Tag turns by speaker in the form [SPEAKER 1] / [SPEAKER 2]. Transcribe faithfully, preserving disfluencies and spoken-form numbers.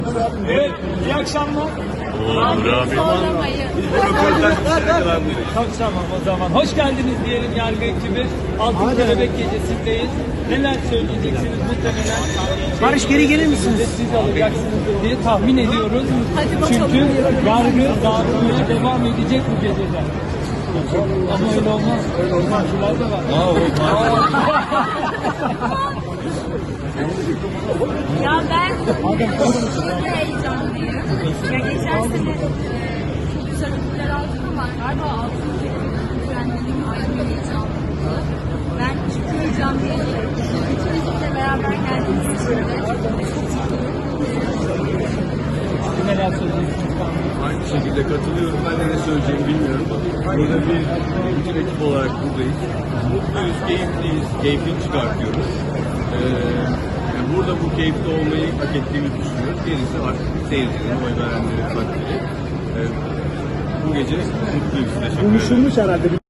[SPEAKER 1] Evet, iyi akşamlar.
[SPEAKER 2] Olur abi.
[SPEAKER 1] Çok tamam o zaman. Hoş geldiniz diyelim yargı ekibi. Altın Kelebek Gecesi'ndeyiz. Neler söyleyeceksiniz muhtemelen?
[SPEAKER 3] Barış, geri gelir misiniz?
[SPEAKER 1] Siz alacaksınızdır diye tahmin ediyoruz.
[SPEAKER 4] Hadi bakalım.
[SPEAKER 1] Çünkü yargı dağıtmaya devam edecek bu gecede. Ama öyle olmaz. Öyle olmaz. Şular da var.
[SPEAKER 4] Ya ben çok heyecanlıyım. Ya geçen sene e, çok güzel ödüller aldım ama galiba altın törenlerin ayrı bir heyecanlıydı. Ben çok heyecanlıyım. Bütün ekiple beraber geldiğimiz için de çok mutluyum.
[SPEAKER 1] Neler söyleyeceksiniz?
[SPEAKER 2] Aynı şekilde katılıyorum. Ben de ne söyleyeceğimi bilmiyorum. Burada bir bütün ekip olarak buradayız. Mutluyuz, keyifliyiz, keyfini çıkartıyoruz. Ee, yani burada bu keyifli olmayı hak ettiğimizi düşünüyoruz. Gerisi artık seyircilerin, oy verenlerin takdiri. Ee, bu gece mutluyuz. Teşekkür ederim.
[SPEAKER 3] Konuşulmuş herhalde.